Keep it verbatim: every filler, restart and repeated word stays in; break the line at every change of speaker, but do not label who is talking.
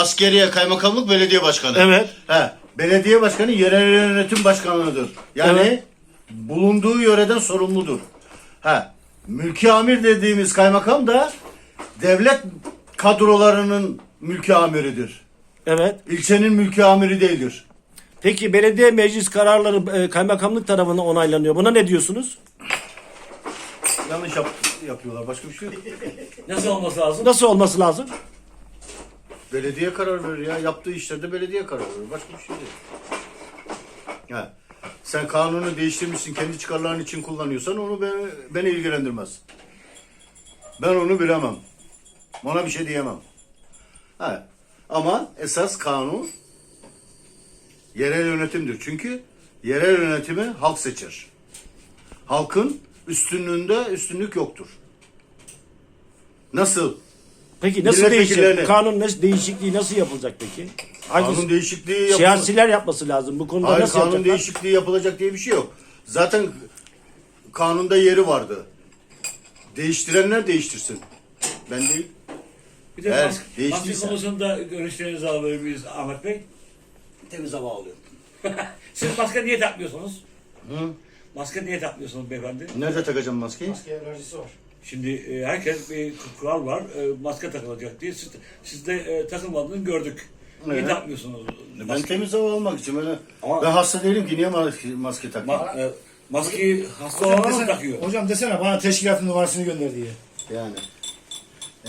askeriye, kaymakamlık, belediye başkanı.
Evet.
He, belediye başkanı yerel yönetim başkanıdır. Yani
Evet.
bulunduğu yöreden sorumludur. He, mülki amir dediğimiz kaymakam da devlet kadrolarının mülki amiridir.
Evet.
İlçenin mülki amiri değildir.
Peki belediye meclis kararları e, kaymakamlık tarafından onaylanıyor. Buna ne diyorsunuz?
Yanlış yap yapıyorlar. Başka bir şey yok.
Nasıl olması lazım?
Nasıl olması lazım?
Belediye karar verir ya. Yaptığı işlerde belediye karar verir. Başka bir şey değil. Ha. Sen kanunu değiştirmişsin, kendi çıkarların için kullanıyorsan onu beni, beni ilgilendirmez. Ben onu bilemem. Ona bir şey diyemem. Ha. Ama esas kanun yerel yönetimdir. Çünkü yerel yönetimi halk seçer. Halkın üstünlüğünde üstünlük yoktur. Nasıl?
Peki nasıl
Milletvekillerine-
değişecek? Kanun nasıl, değişikliği nasıl yapılacak peki?
Kanun
Hangi
değişikliği yapılır.
siyasiler yapması lazım. Bu konuda
Hayır,
nasıl
kanun
yapacaklar?
değişikliği yapılacak diye bir şey yok. Zaten kanunda yeri vardı. Değiştirenler değiştirsin. Ben değil.
Bir de
Eğer
maske, maske
değiştiyse.
konusunda görüşlerinizi alabilir miyiz Ahmet Bey?
Temiz hava alıyor.
Siz maske niye takmıyorsunuz?
Hı?
Maske niye takmıyorsunuz beyefendi?
Nerede takacağım maskeyi?
Maske alerjisi var.
Şimdi e, herkes bir kural var. E, maske takılacak diye. Siz, siz de e, takılmadığını gördük. Niye
Evet.
takmıyorsunuz?
Ben
Maske,
temiz hava almak için. Ben,
Ama-
ben hasta değilim ki niye maske, maske takayım?
ma, e, maskeyi hasta
Hocam
olanlar mı
desene,
takıyor?
hocam desene bana teşkilatın numarasını gönder diye.
Yani.